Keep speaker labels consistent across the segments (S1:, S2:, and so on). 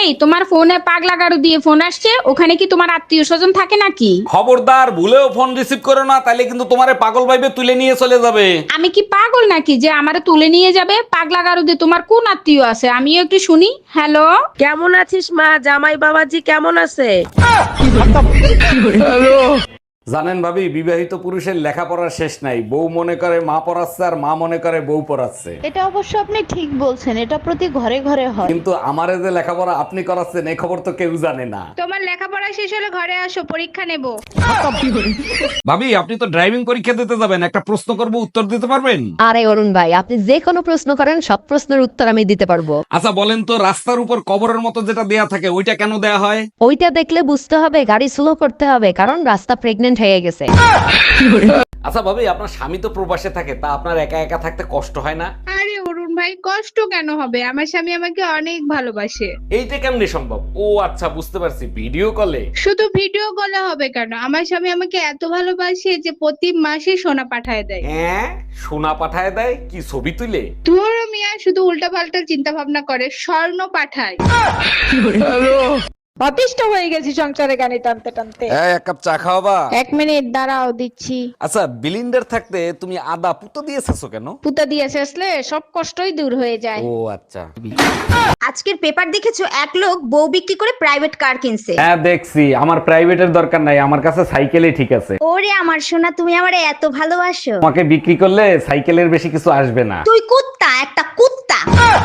S1: এই তোমার ফোনে পাগলা গাড়ু দিয়ে ফোন আসছে, ওখানে কি তোমার আত্মীয় স্বজন থাকে নাকি?
S2: খবরদার, ভুলেও ফোন রিসিভ করো না, তাইলে কিন্তু তোমারে পাগল ভাইবে তুলে নিয়ে চলে যাবে।
S1: আমি কি পাগল নাকি যে আমারে তুলে নিয়ে যাবে? পাগলা গাড়ু দিয়ে তোমার কোন আত্মীয় আছে আমিও একটু শুনি। হ্যালো,
S3: কেমন আছিস মা? জামাই বাবাজি কেমন আছে?
S2: জানেন ভাবি, বিবাহিত পুরুষের লেখাপড়ার শেষ নাই। বউ মনে করে মা পড়াচ্ছে আর মা মনে করে বউ পড়াচ্ছে।
S4: এটা অবশ্য আপনি ঠিক বলছেন, এটা প্রতি ঘরে ঘরে হয়।
S2: কিন্তু আমারে যে লেখাপড়া আপনি করাচ্ছেন এই খবর তো কেউ জানে না।
S1: তোমার লেখাপড়া শেষ হলে ঘরে আসো, পরীক্ষা নেব।
S2: ভাবি, আপনি তো ড্রাইভিং পরীক্ষা দিতে যাবেন, একটা প্রশ্ন করব, উত্তর দিতে পারবেন?
S5: আরে অরুণ ভাই, আপনি যে কোনো প্রশ্ন করেন, সব প্রশ্নের উত্তর আমি দিতে পারবো।
S2: আচ্ছা বলেন তো, রাস্তার উপর কবরের মতো যেটা দেয়া থাকে ওইটা কেন দেয়া হয়?
S5: ওইটা দেখলে বুঝতে হবে গাড়ি স্লো করতে হবে, কারণ রাস্তা প্রেগনেন্ট হয়ে গেছে।
S2: আচ্ছা ভাবি, আপনার স্বামী তো প্রবাসে থাকে, তা আপনার একা একা থাকতে কষ্ট হয় না?
S1: আরে অরুণ ভাই, কষ্ট কেন হবে? আমার স্বামী আমাকে অনেক ভালোবাসে।
S2: এইটা কেমনে সম্ভব? ও আচ্ছা, বুঝতে পারছি, ভিডিও কলে।
S1: শুধু ভিডিও কলে হবে কেন? আমার স্বামী আমাকে এত ভালোবাসে যে প্রতি মাসে সোনা পাঠায় দেয়।
S2: হ্যাঁ, সোনা পাঠায় দেয়? কি ছবি তুলে?
S1: ধুরো মিয়া, শুধু উল্টা পাল্টা চিন্তা ভাবনা করে, স্বর্ণ পাঠায়।
S6: অতিষ্ঠ হয়ে গেছি সংসারে গানি টানতে টানতে।
S2: এক কাপ চা খাওয়াবা?
S6: 1 মিনিট দাঁড়াও, দিচ্ছি।
S2: আচ্ছা, বিলিন্ডার থাকতে তুমি আদা পুতো দিয়েছো কেন?
S6: পুতা দিয়ে শেষলে সব কষ্টই দূর হয়ে যায়।
S2: ও আচ্ছা।
S7: আজকের পেপার দেখেছো, এক লোক বউ বিক্রি করে প্রাইভেট কার কিনছে।
S2: হ্যাঁ দেখছি, আমার প্রাইভেটের দরকার নাই, আমার কাছে সাইকেলই ঠিক আছে।
S7: ওরে আমার সোনা, তুমি আমারে এত ভালোবাসো।
S2: তোমাকে বিক্রি করলে সাইকেলের বেশি কিছু আসবে না।
S7: তুই কুত্তা, একটা কুত্তা।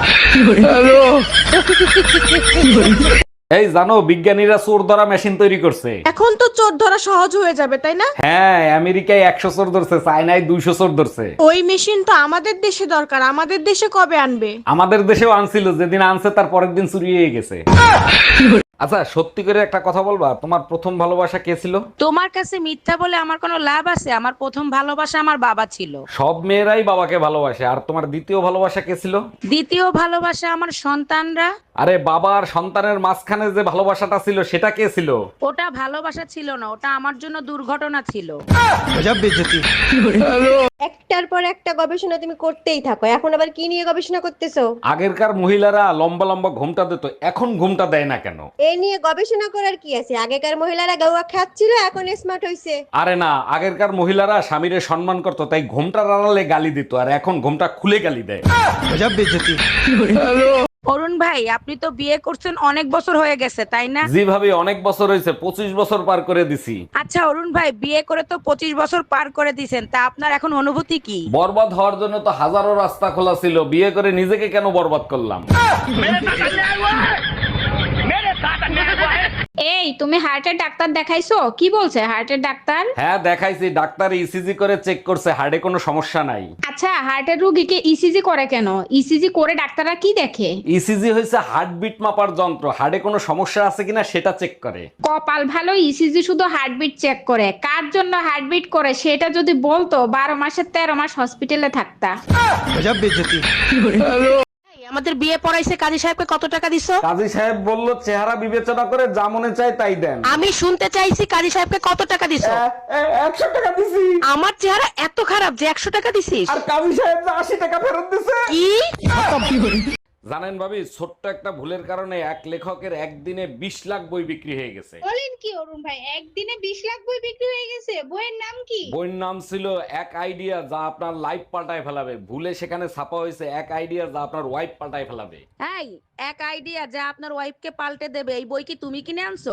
S2: এই জানো, বিজ্ঞানীরা চোর ধরা মেশিন তৈরি করছে।
S3: এখন তো চোর ধরা সহজ হয়ে যাবে, তাই না?
S2: হ্যাঁ, আমেরিকায় 100 চোর ধরছে, চায়নায় 200 চোর ধরছে।
S3: ওই মেশিন তো আমাদের দেশে দরকার, আমাদের দেশে কবে আনবে?
S2: আমাদের দেশেও আনছিল, যেদিন আনছে তার পরের দিন চুরি হয়ে গেছে। আচ্ছা, সত্যি করে একটা কথা বলবা, তোমার প্রথম ভালোবাসা কে ছিল?
S3: তোমার কাছে মিথ্যা বলে আমার কোনো লাভ আছে? আমার প্রথম ভালোবাসা আমার বাবা ছিল।
S2: সব মেয়েরাই বাবাকে ভালোবাসে। আর তোমার দ্বিতীয় ভালোবাসা কে ছিল?
S3: দ্বিতীয় ভালোবাসা আমার সন্তানরা।
S2: আরে বাবা আর সন্তানের মাঝখানে যে ভালোবাসাটা ছিল সেটা কে ছিল?
S3: ওটা ভালোবাসা ছিল না, ওটা আমার জন্য দুর্ঘটনা ছিল।
S8: একটার পর একটা গবেষণা তুমি করতেই থাকো, এখন আবার কি নিয়ে গবেষণা করতেছো?
S2: আগেরকার মহিলারা লম্বা লম্বা ঘুমটা দিত, এখন ঘুমটা দেয় না কেন?
S8: এই নিয়ে গবেষণা করার কি আছে? আগেকার মহিলারা গাওয়া খাচ্ছিল, এখন স্মার্ট হইছে।
S2: আরে না, আগেরকার মহিলারা স্বামীরে সম্মান করতো, তাই ঘুমটা আড়ালে গালি দিত, আর এখন ঘুমটা খুলে গালি দেয়।
S3: অরুণ ভাই, আপনি তো বিয়ে করছেন অনেক বছর হয়ে গেছে, তাই না?
S2: জি ভাবি, অনেক বছর হয়েছে, 25 বছর পার করে দিছি।
S3: আচ্ছা অরুণ ভাই, বিয়ে করে তো 25 বছর পার করে দিয়েছেন, তা আপনার এখন অনুভূতি কি?
S2: বরবাদ হওয়ার জন্য তো হাজারো রাস্তা খোলা ছিল, বিয়ে করে নিজেকে কেন বরবাদ করলাম?
S1: এই তুমি হার্টের ডাক্তার দেখাইছো? কি বলছে হার্টের ডাক্তার?
S2: হ্যাঁ দেখাইছি, ডাক্তার ইসিজি করে চেক করছে, হার্টে কোনো সমস্যা নাই।
S1: আচ্ছা, হার্টের রোগীকে ইসিজি করে কেন? ইসিজি করে ডাক্তাররা কি দেখে?
S2: ইসিজি হয়েছে হার্টবিট মাপার যন্ত্র, হার্টে কোনো সমস্যা আছে কিনা সেটা চেক করে।
S1: কপাল ভালো, ইসিজি শুধু হার্টবিট চেক করে। কার জন্য হার্টবিট করে সেটা যদি বলতো, 12 মাসের 13 মাস হসপিটালে থাকতা।
S3: আমাদের বিয়ে পড়াইছে, কাজী সাহেবকে কত টাকা দিছো?
S2: কাজী সাহেব বলল চেহারা বিবেচনা করে যা মনে চায় তাই দেন।
S3: আমি শুনতে চাইছি কাজী সাহেবকে কত টাকা দিছো?
S2: 100 টাকা দিছি।
S3: আমার চেহারা এত খারাপ যে 100 টাকা দিছিস?
S2: আর কাজী সাহেব 80 টাকা ফেরত দিছে।
S3: কি?
S2: জানেন ভাবি, ছোট্ট একটা ভুলের কারণে এক লেখকের একদিনে 20 লাখ বই বিক্রি হয়ে গেছে।
S1: বলেন কি অরুণ ভাই, একদিনে 20 লাখ বই বিক্রি হয়ে গেছে? বইয়ের নাম কি?
S2: বইয়ের নাম ছিল এক আইডিয়া যা আপনার লাইফ পাল্টায় ফেলাবে। ভুলে সেখানে ছাপা হয়েছে এক আইডিয়া যা আপনার ওয়াইফ পাল্টায় ফেলাবে।
S3: এই, এক আইডিয়া যা আপনার ওয়াইফকে পাল্টে দেবে, এই বই কি তুমি কিনে আনছো?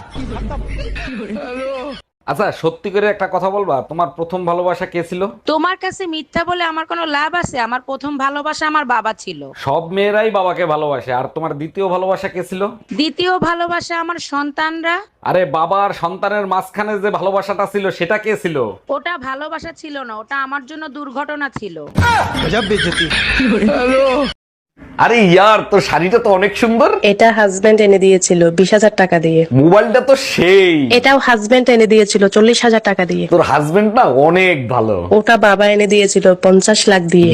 S2: আচ্ছা, সত্যি করে একটা কথা বলবা, তোমার প্রথম ভালোবাসা কে ছিল?
S3: তোমার কাছে মিথ্যা বলে আমার কোনো লাভ আছে? আমার প্রথম ভালোবাসা আমার বাবা ছিল।
S2: সব মেয়েরাই বাবাকে ভালোবাসে। আর তোমার দ্বিতীয় ভালোবাসা কে ছিল?
S3: দ্বিতীয় ভালোবাসা আমার সন্তানরা।
S2: আরে বাবা আর সন্তানের মাঝখানে যে ভালোবাসাটা ছিল সেটা কে ছিল?
S3: ওটা ভালোবাসা ছিল না, ওটা আমার জন্য দুর্ঘটনা ছিল।
S2: আরে ইয়ার, তোর শাড়িটা তো অনেক সুন্দর।
S9: এটা হাজবেন্ড এনে দিয়েছিল 20,000 টাকা দিয়ে।
S2: মোবাইলটা তো সেই।
S9: এটাও হাজবেন্ড এনে দিয়েছিল 40,000 টাকা দিয়ে।
S2: তোর হাজবেন্ড না অনেক ভালো।
S9: ওটা বাবা এনে দিয়েছিল 50 লাখ দিয়ে।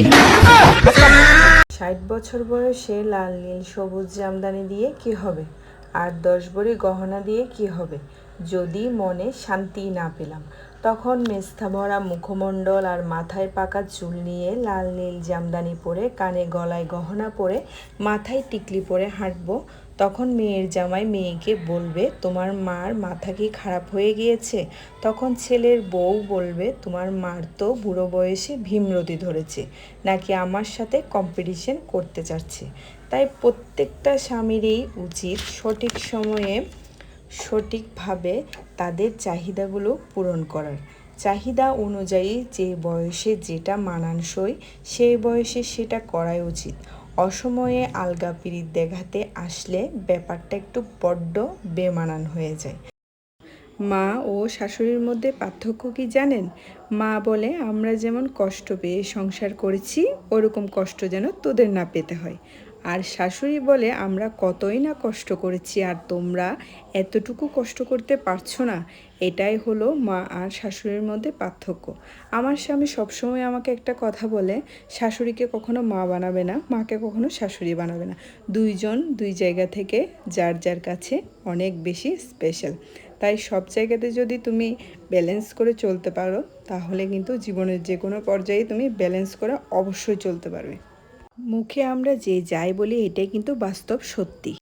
S10: 60 বছর বয়সে লাল নীল সবুজ জামদানি দিয়ে কি হবে? আর 10 ভরি গহনা দিয়ে কি হবে যদি মনে শান্তি না পেলাম? তখন মেস্থা ভরা মুখমণ্ডল আর মাথায় পাকা চুল নিয়ে লাল নীল জামদানি পরে, কানে গলায় গহনা পরে, মাথায় টিকলি পরে হাঁটবো, তখন মেয়ের জামাই মেয়েকে বলবে তোমার মার মাথা কি খারাপ হয়ে গিয়েছে। তখন ছেলের বউ বলবে তোমার মার তো বুড়ো বয়সে ভীমরতি ধরেছে, নাকি আমার সাথে কম্পিটিশন করতে চাচ্ছে। তাই প্রত্যেকটা স্বামীরই উচিত সঠিক সময়ে সঠিকভাবে তাদের চাহিদাগুলো পূরণ করার। চাহিদা অনুযায়ী যে বয়সে যেটা মানানসই সেই বয়সে সেটা করাই উচিত। অসময়ে আলগা পিরিত দেখাতে আসলে ব্যাপারটা একটু বড্ড বেমানান হয়ে যায়। মা ও শাশুড়ির মধ্যে পার্থক্য কি জানেন? মা বলে আমরা যেমন কষ্ট পেয়ে সংসার করেছি ওরকম কষ্ট যেন তোদের না পেতে হয়। আর শাশুড়ি বলে আমরা কতই না কষ্ট করেছি আর তোমরা এতটুকু কষ্ট করতে পারছো না। এটাই হলো মা আর শাশুড়ির মধ্যে পার্থক্য। আমার স্বামী সবসময় আমাকে একটা কথা বলে, শাশুড়িকে কখনো মা বানাবে না, মাকে কখনো শাশুড়ি বানাবে না। দুইজন দুই জায়গা থেকে যার যার কাছে অনেক বেশি স্পেশাল। তাই সব জায়গাতে যদি তুমি ব্যালেন্স করে চলতে পারো তাহলে কিন্তু জীবনের যে কোনো পর্যায়ে তুমি ব্যালেন্স করে অবশ্যই চলতে পারবে। মুখে আমরা যে যাই বলি এটাই কিন্তু বাস্তব সত্যি।